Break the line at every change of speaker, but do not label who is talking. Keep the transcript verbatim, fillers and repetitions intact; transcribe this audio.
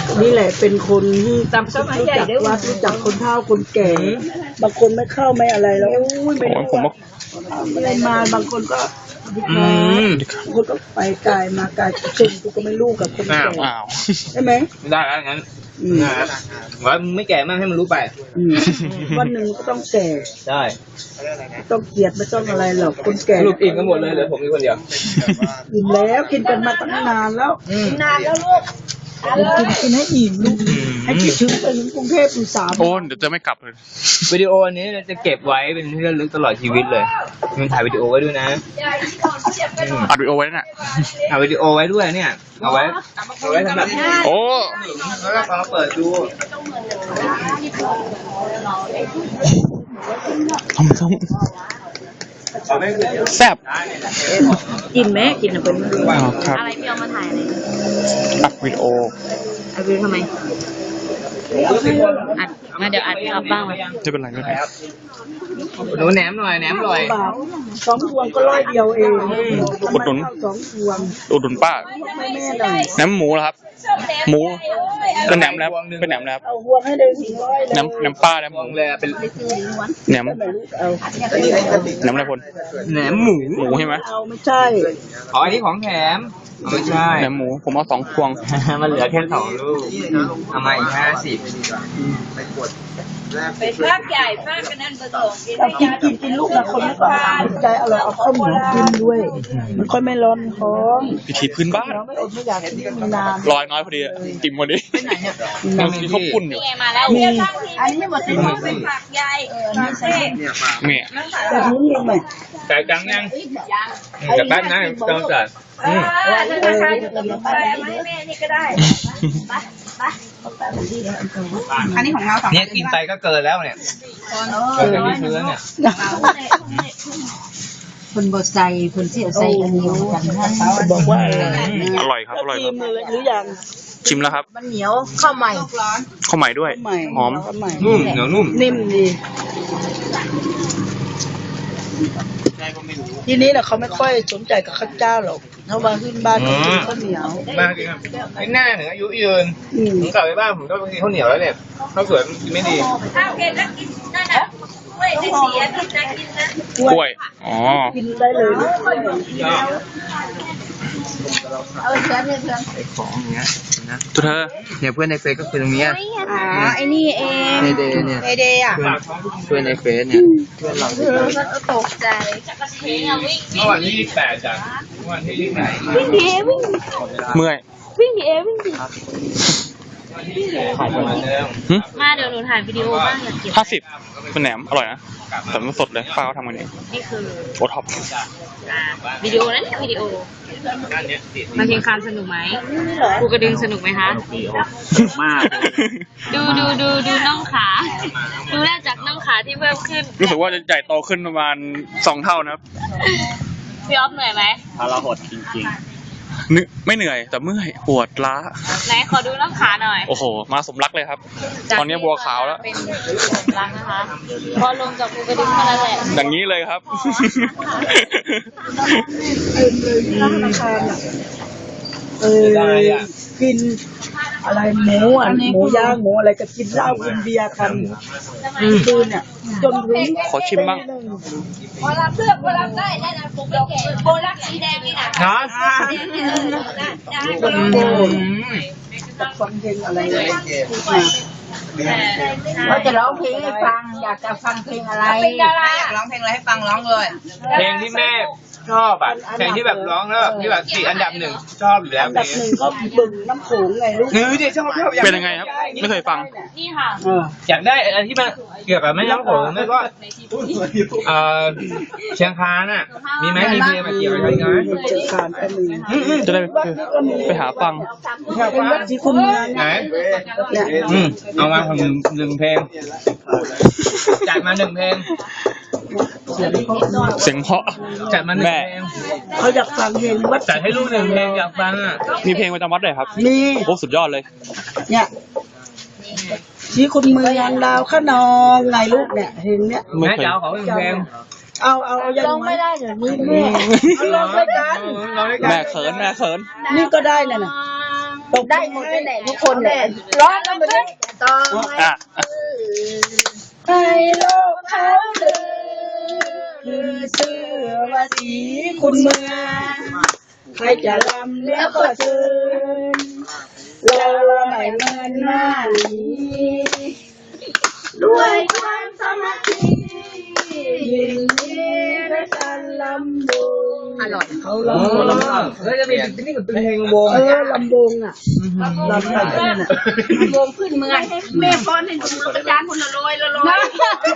นี่แหละเป็นคนที่จำสมัยใหญ่ได้วัดรู้จักคนเฒ่าคนแก่บางคนไม่เข้าไม่อะไรแล้วไม่ได้ผมไม่ได้มาบางคนก็บางคนก็ไปไกลมาไกลเช่นกูก็ไม่รู้กับคนแก่ใช่ไหม
ได้แล้วงั้นว่ามึงไม่แก่มากให้มันรู้ไป
วันหนึ่งก็ต้องแก่
ใช่
ต้องเกลียดไม่ต้องอะไรหรอกคนแก่
ลูกอิ่มกันหมดเลยเหลือผมมีคนเดียว
อิ่มแล้วกินกันมาตั้งนานแล้ว
นานแล้วลูก
กินกินให้อิ่มลูกให้คิดถึงไปถึงกรุงเทพอุตสาห
โอนเดี๋ยวจะไม่กลับเลย
วิดีโอนี้จะเก็บไว้เป็นที่ระลึกตลอดชีวิตเลยมันถ่ายวิดีโอไว้ด้วยนะ
อัดวิดีโอไว้น่ะ
ถ่ายวิดีโอไว้ด้วยเนี่ยเอาไว้เอาไว้สำหรับ
โอ้
แล้วก็มาเปิดดู
ทำส้มแซ่บ
กินไหมกินอ่ะเป็น
อะไร
ที่เอามาถ่ายอะไร
อัดวิดีโอ
อัดวิดีโอทำไมอัดมาเดี๋ยวอัดอัพบ้างเลย
ไม่เป็นไรไม่เป็นไร
หนูแหนมหน่อยแหนมหน่อย
สองพวงก็ร้อยเดียวเอง
อุดหนุน
สองพวง
อุดหนุนป้าแหนมหมูเหรอครับหมูเป็นแหนมแล้วเป็นแหนมแล้ว
เอาพวงให้ได้สี่ร้อย
แหนมแหนมป้าแหนมหมู
เลยเป็น
แหนมแหนมอะไรพล
แหนมหมู
หมูใช่ไหม
เอาไม่ใช่
อ๋ออันนี้ของแถมไม่ใช่
แหนมหมูผมเอาสองพวง
มันเหลือแค่สองลูกเอามาอีกห้าสิบ
ไปภาคใหญ่ภาคกันนั่นผสม
กินกินกินลูกละคนไม่ก่อนใจอร่อยเอาข้าวเหนียวกินด้วยมันค่อยไม่ร้อนท้อง
พิธีพื้นบ้าน
ไม่อดไม่อยากกินนาน
ลอยน้อยพอดีจิ้มพอดีมันมีข้าวปุ้นอยู่
มาแล้วมีอันนี้ไม่หมดที่ต้องเป็นผักใหญ่นี่ใช่
เนี่ย
แบบนี้มีไหม
แต่จังยังแต่แป๊บนะต้องจัด
อืมราคาจะเป็นไปไม่แม่นี่ก็ได้ไปไปอันนี้ของเราสอง
เนี่ยกินไปก็เกินแล้วเนี่ยเกินที่พื้นเนี่ย
คนบดใส่คนเสียใส่กันเหนียวกันนะ
บอกว่า
อร่อยครับอร่อยครับ
หรือยัง
ชิมแล้วครับ
มันเหนียวข้าวใหม่
ข้าวใหม่ด้วยหอม
นุ่มเหนียวนุ่ม
นิ่มดีทีนี้แหละเขาไม่ค่อยสนใจกับข้าวเจ้าหรอกถ้าว่าขึ้นบ้านก็กินข้าวเหนียว
มากจริงครับไม่น่าถึงอายุยืนผมกลับไปบ้านผมก็กินข้าวเหนียวแล้วเนี่ยข้าวสวยกินไม่ดี
ข้าวเก็บแล้วกินนั่นนะกล้วยจะเสียกินนะกินนะ
กล้วยอ๋อ
กินได้เลย
เอาเชื้อเนี่ยเชื้อ
ไอ้ของอย่างเงี้ยนะ
ตัวเธอ
เนี่ยเพื่อนในเฟซก็คือตรงนี้
อ๋อไอ้นี่เอง
ในเดย์เนี่ย
ในเดย์อ่ะ
เพื่อนในเฟซเนี่ยเพื่อนเรา
ตกใจ
เมื่อวันที่ยี่สิบแปดจ้ะเมื่อวันที่ยี่สิบแปด
วิ่งดีวิ่ง
เมื่อย
วิ่งดีวิ่งดี
มา
เดี๋ยวหนูถ่ายวิดีโอบ้างอยากเก็บ
ห้าสิบเป็นแหนมอร่อยนะแต่มันสดเลยป้าเขาทำกันเอง
นี่คือ
โอท็อป
วิดีโอนั้นวิดีโอมาเชียงคานสนุกไหมภูกระดึงสนุกไหมคะ
มาก
ดูดูดูดูน่องขาดูแรกจากน่องขาที่เพิ่มขึ้น
รู้สึกว่าจะใหญ่โตขึ้นประมาณสองเท่านะครับ
พี่อ๊อฟเหนื่อยไหม
พาราหดจริง
ๆนึกไม่เหนื่อยแต่เมื่อยปวดล้า
ไหนขอดูน่องขาหน่อย
โอ้โหมาสมรักเลยครับตอนนี้บัวขาวแล้ว
เป็นสมรักนะคะพอลงจากภูกระดึงเท่านั้นแหละ
อย่างนี้เลยครับ
เออกินอะไรหมูอ่ะหมูย่างหมูอะไรก็กินเหล้ากินเบียร์กันคืนเนี่ยจนถึง
ขอชิมบ้าง
พอรับเลือกพอรับได้ได้นะผมแก่โบลักสีแดงนี่นะ
ฟังเพลงอะไร
เราจะร้องเพลงให้ฟังอยากจะฟังเพลงอะไรอยากร้องเพลงอะไรให้ฟังร้องเลย
เพลงที่แม่ชอบอ่ะเพลงที่แบบร้องแล้วที่แบบติดอันดับหนึ่งชอบอยู่แล้ว
อันดับหนึ่งก็บึงน้ำโขงไงลูก
เออเดี๋ยวชอบชอบ
เป็นยังไงครับไม่เคยฟัง
นี่ค่ะ
อยากได้อะไรที่มันเกี่ยวกับแม่น้ำโขงไม่ก็เออเชียงคานอ่ะมีไหมมีเพลงมาเกี่ยวกับอะไรไหม
เชียงคานก็มี
จะได้ไปหาฟัง
เป็นวัดที่คุณ
ไหนอืมเอามาทำหนึ่งเพลงจัดมาหนึ่งเพลง
เสียงเพราะ
จัดมาหนึ่งเพลง
เขาอยากฟังเพลงวัด
จัดให้ลูกหนึ่งเพลงอยากฟังอ่ะ
มีเพลงประจำวัดเลยครับ
มี
โอ้สุดยอดเลย
เนี่ยที่คุณเมืองดาวขนองไงลูกเนี่ยเพลงเนี้ย
แม่เจ้าของเพลง
เอาเอาเอายัง
ไม่ได้เดี๋ยวนี้
แม่เอาลองด้วยกัน
แม่เขินแม่เขิน
นี่ก็ได้น่ะนะ
ได้หมดแหละทุกคนแหละร้องกันไปเลยต่อ
อ่ะ
ให้โลกเขาลือลือเชื่อว่าสีคุณเมืองใครจะลำแล้วก็เชิญเราไม่เมินหน้าหลีด้วยความสามัคคียินดีด้วยกันลำวงอร่อยเขาลำวง
แล้วจะมีนี่กับเพลงวง
เออลำวงอ่ะลำแบบนั้นอ่ะ
วงขึ้นเมืองแม่ป้อนให้ดูแล้วก็จานคนละร้อยละร้อย